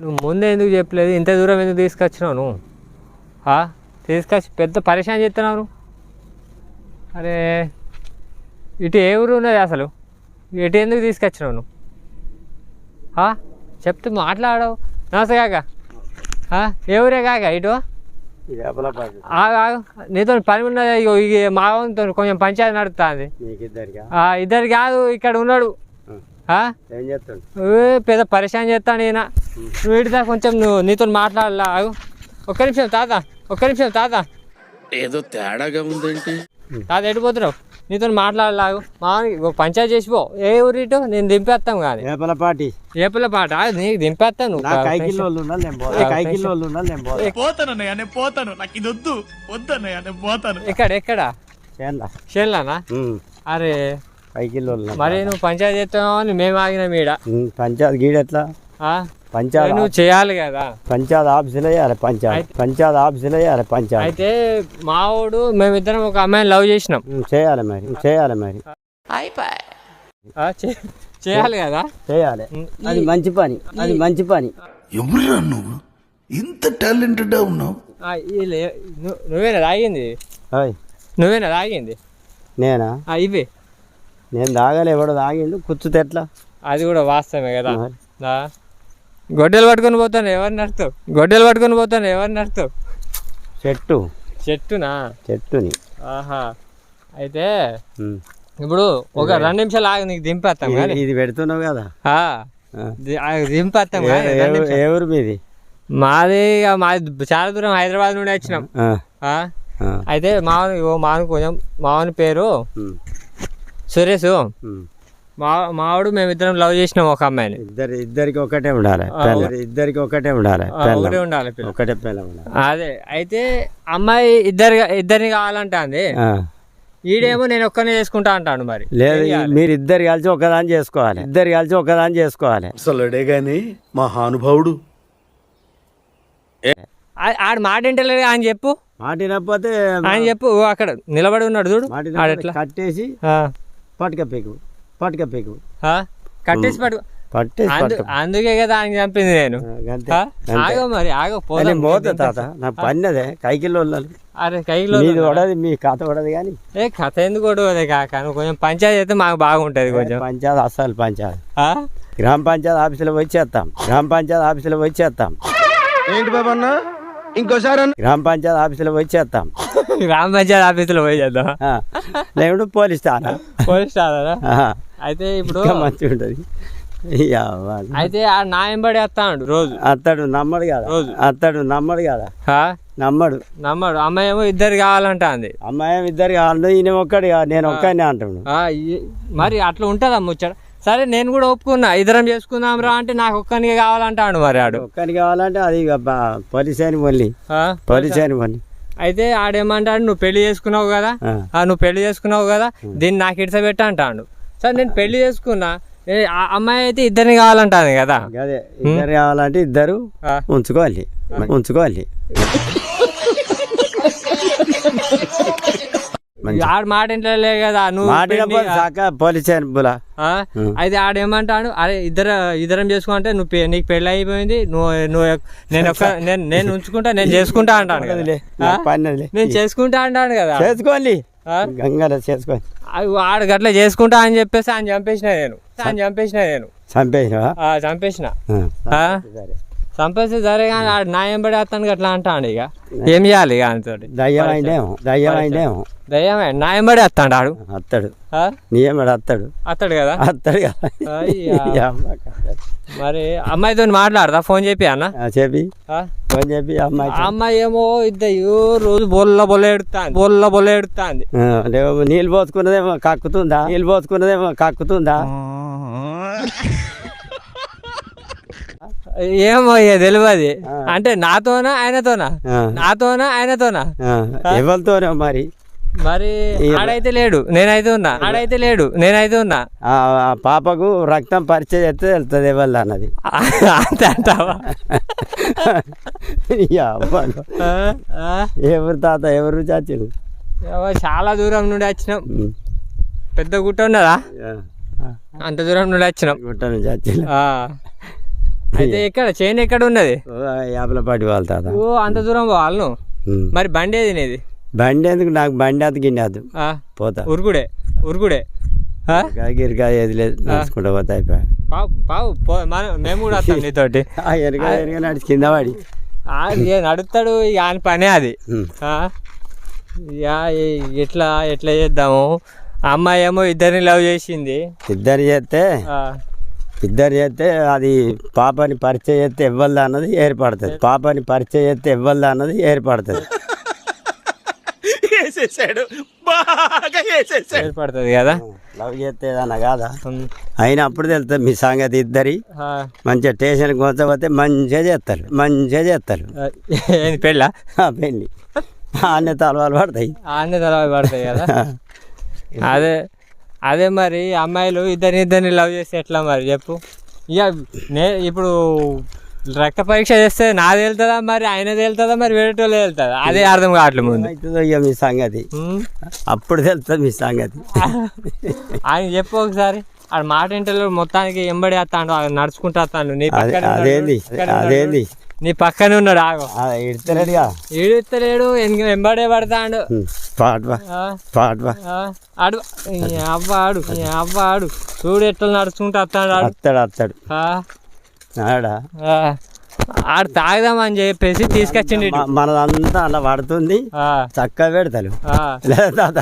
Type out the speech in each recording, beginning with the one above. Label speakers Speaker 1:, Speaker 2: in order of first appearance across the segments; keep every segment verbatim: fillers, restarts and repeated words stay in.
Speaker 1: నువ్వు ముందే ఎందుకు చెప్పలేదు? ఇంత దూరం ఎందుకు తీసుకొచ్చినావు నువ్వు? తీసుకొచ్చి పెద్ద పరిశాన్ చేస్తున్నావు నువ్వు. అరే ఇటు ఏ ఊరు ఉన్నది అసలు? ఇటు ఎందుకు తీసుకొచ్చినావు నువ్వు? చెప్తే మాట్లాడవు. నమస్తే కాక, ఏ ఊరే కాక? ఇటు నీతో పని ఉన్నది, మా కొంచెం పంచాయతీ నడుస్తుంది. ఇద్దరు కాదు, ఇక్కడ ఉన్నాడు పెద్ద పరిశాన్ చేస్తాను ఈయన. నువ్వు ఇటుదా కొంచెం, నువ్వు నీతో మాట్లాడలా. ఒక్క నిమిషం తాత, ఒక్క నిమిషం తాత.
Speaker 2: ఏదో తేడాగా ఉందేంటి
Speaker 1: తాత? ఎడిపోతున్నావు? నీతో మాట్లాడలాగు. మామూలు పంచాయతీ చేసిపో. ఏ ఊరి ఇటు నేను దింపేస్తాం కానీ.
Speaker 3: ఏపలపాటి
Speaker 1: ఏపలపాట నీకు దింపేస్తాను.
Speaker 2: పోతాను నాకు ఇది వద్దు వద్దన్నయ్య, నేను పోతాను.
Speaker 1: ఎక్కడ ఎక్కడ? చేన్లానా? అరే మరి నువ్వు పంచాయతీ చేస్తావు అని మేము ఆగినాం ఈడ.
Speaker 3: పంచాయతీ గీడ ఎట్లా? పంచాయతీ
Speaker 1: నువ్వు చేయాలి కదా.
Speaker 3: పంచాయతీ ఆఫీసులో వేయాలి. పంచాయతీ పంచాయతీ ఆఫీసులో వేయాలి. పంచాయతీ
Speaker 1: అయితే మావాడు మేమిద్దరం ఒక అమ్మాయిని లవ్ చేసినాం.
Speaker 3: చేయాలి మరి, చేయాలి మరి,
Speaker 1: చేయాలి కదా,
Speaker 3: చేయాలి. అది మంచి పని, అది మంచి పని.
Speaker 2: ఎవరురా నువ్వు ఇంత టాలెంటెడ్ ఉన్నావు?
Speaker 1: నువ్వేనా తాగింది? నువ్వేనా తాగింది?
Speaker 3: నేనా?
Speaker 1: ఇవే
Speaker 3: నేను తాగాలి. ఎవడో తాగిండు కూర్చుతే ఎట్లా?
Speaker 1: అది కూడా వాస్తవమే కదా. గొడ్డలు పట్టుకొని పోతాను ఎవరిని నడుస్తావు? గొడ్డలు పట్టుకొని పోతాను ఎవరిని నడుస్తావు?
Speaker 3: చెట్టు
Speaker 1: చెట్టునా?
Speaker 3: చెట్టుని.
Speaker 1: ఆహా. అయితే ఇప్పుడు ఒక రెండు నిమిషాలు ఆగి నీకు దింపేస్తాం.
Speaker 3: ఇది పెడుతున్నావు కదా,
Speaker 1: దింపేస్తాం.
Speaker 3: ఎవరు మీది?
Speaker 1: మాది మాది చాలా దూరం, హైదరాబాద్ నుండి వచ్చినాం. అయితే మావని మావని కొంచెం మావని పేరు సురేష్. మా మావాడు మేమిద్దరం లవ్ చేసినాం ఒక అమ్మాయిని.
Speaker 3: ఇద్దరు ఇద్దరికి ఒకటే ఉండాలి, ఇద్దరికి ఒకటే ఉండాలి,
Speaker 1: ఒకటే ఉండాలి,
Speaker 3: ఒకటే పిల్ల ఉండాలి.
Speaker 1: అదే అయితే అమ్మాయి ఇద్దరు ఇద్దరిని కావాలంటే ఈడేమో నేను ఒక్కనే చేసుకుంటా అంటాను. మరి
Speaker 3: లేదు, మీరు ఇద్దరు కలిసి ఒకదాని చేసుకోవాలి, ఇద్దరు కలిసి ఒకదాని చేసుకోవాలి.
Speaker 2: అసలుడే గాని మా హానుభావుడు
Speaker 1: ఆడు మాట వింటలేదు అని చెప్పు.
Speaker 3: మాట వినకపోతే
Speaker 1: ఆయన చెప్పు. అక్కడ నిలబడి ఉన్నాడు చూడు,
Speaker 3: కట్టేసి పట్టుకపోయి పట్టుకపోయి
Speaker 1: కట్టేసి పట్టు పట్టేసి. అందుకే కదా ఆయన చంపింది నేను. ఆగో మరి ఆగో
Speaker 3: పోతా తాత, నా పన్నదే కైకిల్లో.
Speaker 1: అరే కైకిలో
Speaker 3: పడది, మీ కథ పడదు కానీ.
Speaker 1: ఏ కథ ఎందుకు పడదు కాక, నువ్వు కొంచెం పంచాయతీ అయితే మాకు బాగుంటది. కొంచెం
Speaker 3: పంచాయతీ అస్సలు పంచాయతీ గ్రామ పంచాయతీ ఆఫీసులో వచ్చేస్తాం, గ్రామ పంచాయతీ ఆఫీసులో వచ్చేస్తాం.
Speaker 2: ఏంటి బాబా అన్న ఇంకోసారి?
Speaker 3: గ్రామ పంచాయతీ ఆఫీసులో వచ్చేస్తాం,
Speaker 1: గ్రామ పంచాయతీ ఆఫీసులో పోయి చేద్దాం.
Speaker 3: లేకుంటే పోలీస్ స్టానా?
Speaker 1: పోలీస్ స్టానా? అయితే ఇప్పుడు
Speaker 3: మంచిగా ఉంటది.
Speaker 1: అయితే ఆ నా ఎంబడి వస్తాడు రోజు.
Speaker 3: అత్తడు నమ్మడు కదా, రోజు అత్తడు నమ్మడు కదా, నమ్మడు
Speaker 1: నమ్మడు. అమ్మాయి ఏమో ఇద్దరు కావాలంట అంది.
Speaker 3: అమ్మాయి ఏమో ఇద్దరు కావాలి, ఈయన ఒక్కడి నేను ఒక్కడినే అంటాడు.
Speaker 1: మరి అట్లా ఉంటుందా ముచ్చట? సరే నేను కూడా ఒప్పుకున్నా, ఇద్దరం చేసుకుందాం రా అంటే నాకు ఒక్కనికి కావాలంటాడు. మరి ఆడు
Speaker 3: ఒక్కనికి కావాలంటే అది పరిచయం మళ్ళీ పరిచయం మళ్ళీ.
Speaker 1: అయితే ఆడేమంటాడు, నువ్వు పెళ్లి చేసుకున్నావు కదా, నువ్వు పెళ్లి చేసుకున్నావు కదా, దీన్ని నాకు ఇడిసబెట్ట అంటాడు. సరే నేను పెళ్లి చేసుకున్నా, అమ్మాయి అయితే ఇద్దరిని కావాలంటాను కదా.
Speaker 3: అదే ఇద్దరు కావాలంటే ఇద్దరు ఉంచుకోవాలి, ఉంచుకోవాలి.
Speaker 1: ఆడు మాట ఇంట్లో కదా నువ్వు. అయితే ఆడేమంటాడు, అరే ఇద్దరు ఇద్దరం చేసుకుంటే నువ్వు నీకు పెళ్లి అయిపోయింది, నువ్వు నువ్వు నేను ఒక్క నేను నేను ఉంచుకుంటా, నేను చేసుకుంటా అంటాను. నేను చేసుకుంటా అంటాను కదా.
Speaker 3: చేసుకోవాలి, గంగాలో చేసుకోవాలి.
Speaker 1: ఆడు గట్లా చేసుకుంటా అని చెప్పేసి ఆయన చంపేసిన నేను ఆయన చంపేసిన నేను
Speaker 3: చంపేసిన
Speaker 1: చంపేసిన చంపేస్తే సరే కానీ ఆడు నా ఎంబడి వస్తాను అట్లా అంటాడు. ఇక ఏం చేయాలి ఇక ఆయనతో?
Speaker 3: దయ్యమైందేమో దయ్యమైందేమో
Speaker 1: దయ్యమే నా ఎంబడి వస్తాడు. ఆడు
Speaker 3: అత్తాడు, నీ ఎంబడి అత్తాడు
Speaker 1: అత్తాడు కదా,
Speaker 3: అత్తాడు కదా.
Speaker 1: మరి అమ్మాయితో మాట్లాడదా? ఫోన్ చెప్పి అన్న
Speaker 3: చెప్పి ఫోన్ చెప్పి అమ్మాయి
Speaker 1: అమ్మాయి ఏమో ఇద్దరు రోజు బొల్ల బొల్ల ఎడుతాంది, బొల్ల బొల్ల ఎడుతాంది.
Speaker 3: నీళ్ళు పోసుకున్నదేమో కక్కుతుందా, నీళ్ళు పోసుకున్నదేమో కక్కుతుందా.
Speaker 1: ఏమో తెలియదు. అంటే నాతోనా ఆయనతోనా, నాతోనా ఆయనతోనా,
Speaker 3: ఎవరితోనో మరి.
Speaker 1: మరి ఆడైతే లేడు, నేనైతే ఉన్నా. ఆడైతే లేడు, నేనైతే ఉన్నా.
Speaker 3: పాపకు రక్తం పరిచయం చేస్తే వెళ్తుంది ఎవరు అన్నది.
Speaker 1: అంతే అంటావా?
Speaker 3: ఎవరు తాత, ఎవరు చాచులు?
Speaker 1: చాలా దూరం నుండి వచ్చినాం. పెద్ద గుట్ట ఉన్నదా, అంత దూరం నుండి వచ్చినాం.
Speaker 3: గుట్ట నుంచి చాచులు
Speaker 1: అయితే ఎక్కడ చైన్ ఎక్కడ ఉన్నది?
Speaker 3: యాపలపాటి వాళ్ళ తాత.
Speaker 1: ఓ అంత దూరం పోవాలను.
Speaker 3: ఉమ్.
Speaker 1: మరి బండి ఏది నీది?
Speaker 3: బండి ఎందుకు నాకు బండి అది గిన్నె అది
Speaker 1: ఆ,
Speaker 3: పోతా
Speaker 1: ఉరుకుడే ఉరుకుడే ఆ?
Speaker 3: గిరికాయ ఏది లేదు నడుచుకుంటా పోతా అయిపోయా.
Speaker 1: పావు పావు పో మనం మేము కూడా వస్తాం నీతోటి.
Speaker 3: వెనక వెనక నడిచి కింద పడి
Speaker 1: ఆ, ఏ నడుస్తాడు ఇక ఆయన పనే అది.
Speaker 3: ఉమ్.
Speaker 1: ఆ? యా, ఏ- ఎట్లా ఎట్లా చేద్దాము? అమ్మాయి ఏమో ఇద్దరిని లవ్ చేసింది.
Speaker 3: ఇద్దరు చేస్తే
Speaker 1: ఆ,
Speaker 3: ఇద్దరు చేస్తే అది పాపని పరిచయం చేస్తే ఇవ్వల్దా అన్నది ఏర్పడుతుంది. పాపని పరిచయం చేస్తే ఇవ్వల్దా అన్నది ఏర్పడుతుంది.
Speaker 1: ఏర్పడుతుంది కదా.
Speaker 3: లవ్ చేస్తే ఏదన్నా కాదా
Speaker 1: ఉమ్.
Speaker 3: అయినప్పుడు తెలుస్తుంది మీ సంగతి. ఇద్దరి
Speaker 1: ఆ,
Speaker 3: మంచిగా స్టేషన్కి కొంచపోతే మంచిగా చేస్తారు మంచిగా చేస్తారు.
Speaker 1: ఆ, ఏంది పెళ్ళా?
Speaker 3: ఆ పెళ్ళి అన్నీ తలవాలు పడతాయి.
Speaker 1: అన్నీ తర్వాత పడతాయి కదా. అదే అదే మరి అమ్మాయిలు ఇద్దరిని ఇద్దరిని లవ్ చేస్తే ఎట్లా మరి చెప్పు. ఇక నే ఇప్పుడు రక్త పరీక్ష చేస్తే నాది వెళ్తుందా మరి ఆయనది వెళ్తుందా మరి వేరేటోళ్ళు వెళ్తుందా? అదే అర్థం కావట్లేదు ముందు.
Speaker 3: అవుతుందో ఇక మీ సంగతి
Speaker 1: ఉమ్.
Speaker 3: అప్పుడు తెలుస్తుంది మీ సంగతి.
Speaker 1: ఆయన చెప్పు ఒకసారి. ఆడ మాట ఇంటలో మొత్తానికి ఎంబడి వస్తాడు, నడుచుకుంటూ వస్తాడు. నీ
Speaker 3: అదే
Speaker 1: పక్కనే ఉన్నాడు,
Speaker 3: అదేంది
Speaker 1: పక్కనే ఉన్నాడు.
Speaker 3: అదేంది
Speaker 1: నీ పక్కనే ఉన్నాడు. ఆగో
Speaker 3: ఇడతలేడుగా
Speaker 1: ఈడుస్తలేడు, ఎంబడే పడతాడు.
Speaker 3: పాటవా
Speaker 1: ఆ,
Speaker 3: పాటవా
Speaker 1: ఆ, ఆడు ఈ అవ్వ ఆడు ఈ అవ్వ ఆడు చూడు ఎట్లా నడుచుకుంటూ వస్తాడు ఆడు.
Speaker 3: అత్తాడు అత్తాడు
Speaker 1: ఆ,
Speaker 3: ఆడా
Speaker 1: ఆ, ఆడు తాగుదామని చెప్పేసి తీసుకొచ్చిండు ఇటు.
Speaker 3: మ- మనదంతా అలా పడుతుంది
Speaker 1: ఆ,
Speaker 3: చక్కగా పెడతారు
Speaker 1: ఆ.
Speaker 3: లేదా తాత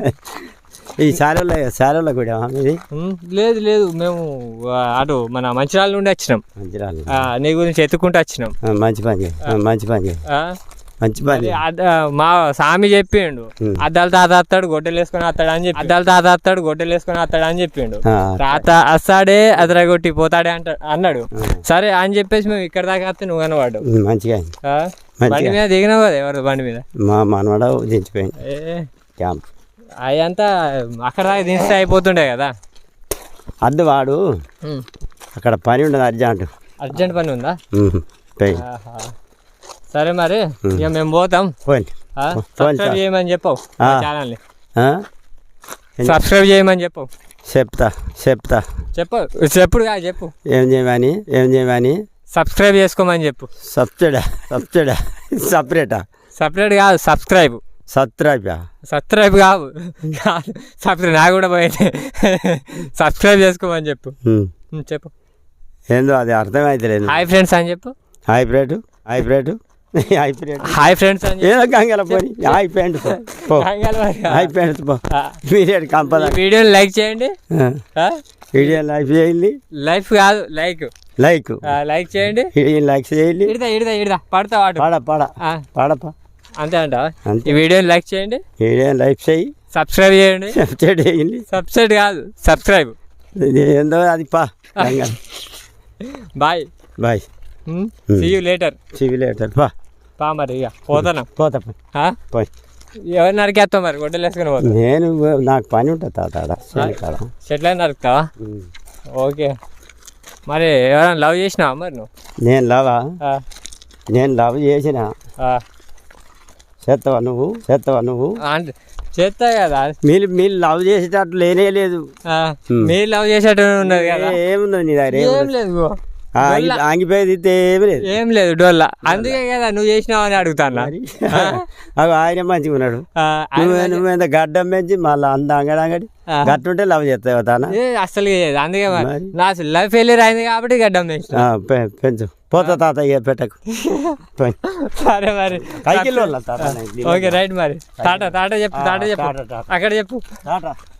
Speaker 3: ఈ శాలలో శాలలో కూడా ఇది
Speaker 1: ఉమ్, లేదు లేదు మేము ఆ, అటు మన మంచిర్యాల నుండి వచ్చినాం.
Speaker 3: మంచి రాలేదు
Speaker 1: ఆ, నీ గురించి ఎత్తుకుంటూ వచ్చినాం.
Speaker 3: ఆ, మంచి పని చేయి. ఆ, మంచి పని చేయి.
Speaker 1: ఆ,
Speaker 3: మంచి పని
Speaker 1: అది
Speaker 3: చేయి.
Speaker 1: అద్ద- మా స్వామి చెప్పిండు
Speaker 3: ఉమ్.
Speaker 1: అద్దాలు తాత వస్తాడు గొడ్డలు వేసుకొని వస్తాడు అని చెప్పి అద్దాలు తాత వస్తాడు గొడ్డలు వేసుకొని వస్తాడు అని చెప్పిండు.
Speaker 3: ఆ,
Speaker 1: తాత వస్తాడే అదరగొట్టి పోతాడే అంట అన్నాడు. సరే అని చెప్పేసి మేము ఇక్కడ దాకా వస్తే నువ్వు కనవాడు.
Speaker 3: ఉమ్, మంచిగా అయింది.
Speaker 1: బండి మీద దిగినావు కదా ఎవరు బండి మీద.
Speaker 3: మా మనవడ దించిపోయింది
Speaker 1: ఏ
Speaker 3: క్యాంప్.
Speaker 1: అదంతా అక్కడ దాకా దించితే అయిపోతుండే కదా.
Speaker 3: అద్దు వాడు
Speaker 1: ఉమ్.
Speaker 3: అక్కడ పని ఉండదు అర్జెంట్.
Speaker 1: అర్జెంట్ పని ఉందా?
Speaker 3: ఉమ్, పోయి
Speaker 1: ఆహా. సరే మరి ఇక మేము పోతాం.
Speaker 3: పోయింది.
Speaker 1: ఆ? సబ్స్క్రైబ్ చేయమని చెప్పవు
Speaker 3: ఆ.
Speaker 1: ఛానల్ని.
Speaker 3: ఆ?
Speaker 1: సబ్స్క్రైబ్ చేయమని చెప్పవు.
Speaker 3: చెప్తా చెప్తా
Speaker 1: చెప్పు చెప్పుడు కాదు చెప్పు.
Speaker 3: ఏం చేయమని ఏం చేయమని
Speaker 1: సబ్స్క్రైబ్ చేసుకోమని చెప్పు.
Speaker 3: సబ్సిడా సబ్సిడా సపరేటా
Speaker 1: సపరేట్ కాదు సబ్స్క్రైబ్.
Speaker 3: సత్రాపా
Speaker 1: సబ్స్క్రైబ్ కాదు కాదు సబ్స్క్రైబ్ నాకు కూడా పోయింది. సబ్స్క్రైబ్ చేసుకోమని చెప్పు.
Speaker 3: ఉమ్.
Speaker 1: ఉమ్, చెప్పు.
Speaker 3: ఏందో అది అర్థమైతలేదు.
Speaker 1: హాయ్ ఫ్రెండ్స్ అని చెప్పు.
Speaker 3: హైబ్రేటు హైబ్రేటు హైబ్రేట్
Speaker 1: హాయ్ ఫ్రెండ్స్ అని చెప్పు.
Speaker 3: ఏదో గంగల పోని హై ప్యాంట్ పో
Speaker 1: కంగారు పడకు.
Speaker 3: హై ప్యాంట్ పో
Speaker 1: ఆ,
Speaker 3: మీరేడు కంపద
Speaker 1: ఈ వీడియోని లైక్ చేయండి. ఆ?
Speaker 3: వీడియో లైక్ చేయండి.
Speaker 1: లైఫ్ కాదు లైక్.
Speaker 3: లైక్
Speaker 1: ఆ, లైక్ చేయండి.
Speaker 3: వీడియో లైక్ చేయండి.
Speaker 1: ఇడదా ఇడదా ఇడదా పడతా వాడు.
Speaker 3: పాడ పాడ
Speaker 1: ఆ,
Speaker 3: పాడపా
Speaker 1: అంతే అంటావా?
Speaker 3: అంతే.
Speaker 1: ఈ వీడియోని లైక్ చేయండి,
Speaker 3: వీడియో లైక్ చేయి
Speaker 1: సబ్స్క్రైబ్ చేయండి.
Speaker 3: సబ్సిడీ చేయండి.
Speaker 1: సబ్స్క్రైబ్ కాదు సబ్స్క్రైబ్.
Speaker 3: ఇది ఏందో అది పా Ganga
Speaker 1: bye.
Speaker 3: Bye
Speaker 1: see you later.
Speaker 3: సివిలేటర్ పా
Speaker 1: పా మరి ఇక పోతాను.
Speaker 3: పోతా పో.
Speaker 1: ఆ?
Speaker 3: పోయి
Speaker 1: ఎవరు నరికేస్తావు మరి గొడ్డలు వేసుకుని పోతావు.
Speaker 3: నేను నాకు పని ఉంటుంది తాత ఆడ చేను కాడ.
Speaker 1: చెట్లని నరుకుతావా?
Speaker 3: ఉమ్.
Speaker 1: ఓకే. మరి ఎవరైనా లవ్ చేసినావా మరి నువ్వు?
Speaker 3: నేను లవా
Speaker 1: ఆ,
Speaker 3: నేను లవ్ చేసిన
Speaker 1: ఆ.
Speaker 3: చేస్తావా నువ్వు చేస్తావా నువ్వు
Speaker 1: అంటే చేస్తా కదా.
Speaker 3: మీరు మీరు లవ్ చేసేటట్లు లేనే లేదు.
Speaker 1: ఆ,
Speaker 3: ఉమ్.
Speaker 1: మీరు లవ్ చేసేట్టు ఉన్నది కదా.
Speaker 3: ఏ- ఏమున్నది నీ దగ్గర
Speaker 1: ఏం
Speaker 3: ఏమున్నది?
Speaker 1: లేదు గో.
Speaker 3: ఆ, ఆంగి- ఆంగిపోయేది ఇస్తే ఏమి లేదు
Speaker 1: ఏం లేదు డోల్లా. అందుకే కదా నువ్వు చేసినావు అని అడుగుతాను.
Speaker 3: మరి. అవి ఆయన మంచిగా ఉన్నాడు.
Speaker 1: ఆ,
Speaker 3: నువ్వు
Speaker 1: ఆయన-
Speaker 3: నువ్వేంత గడ్డం పెంచి మళ్ళీ అంద అంగడి అంగడి
Speaker 1: ఆ.
Speaker 3: గట్టుంటే లవ్ చేస్తావు తాన.
Speaker 1: ఏ, అసలు చేయదు. అందుకే మరి
Speaker 3: మరి.
Speaker 1: నా లైఫ్ ఫెయిలియర్ అయింది కాబట్టి గడ్డం వేసిన.
Speaker 3: ఆ, పె- పెంచు పోతా తాత ఇక పెట్టకు పోయి.
Speaker 1: సరే మరి
Speaker 3: కైకిల్లో వాళ్ళ తాత నాకు.
Speaker 1: ఓకే రైట్ మరి టాటా టాటా చెప్పు టాటా చెప్పు
Speaker 3: టాటా, టాటా.
Speaker 1: అక్కడ చెప్పు.
Speaker 3: టాటా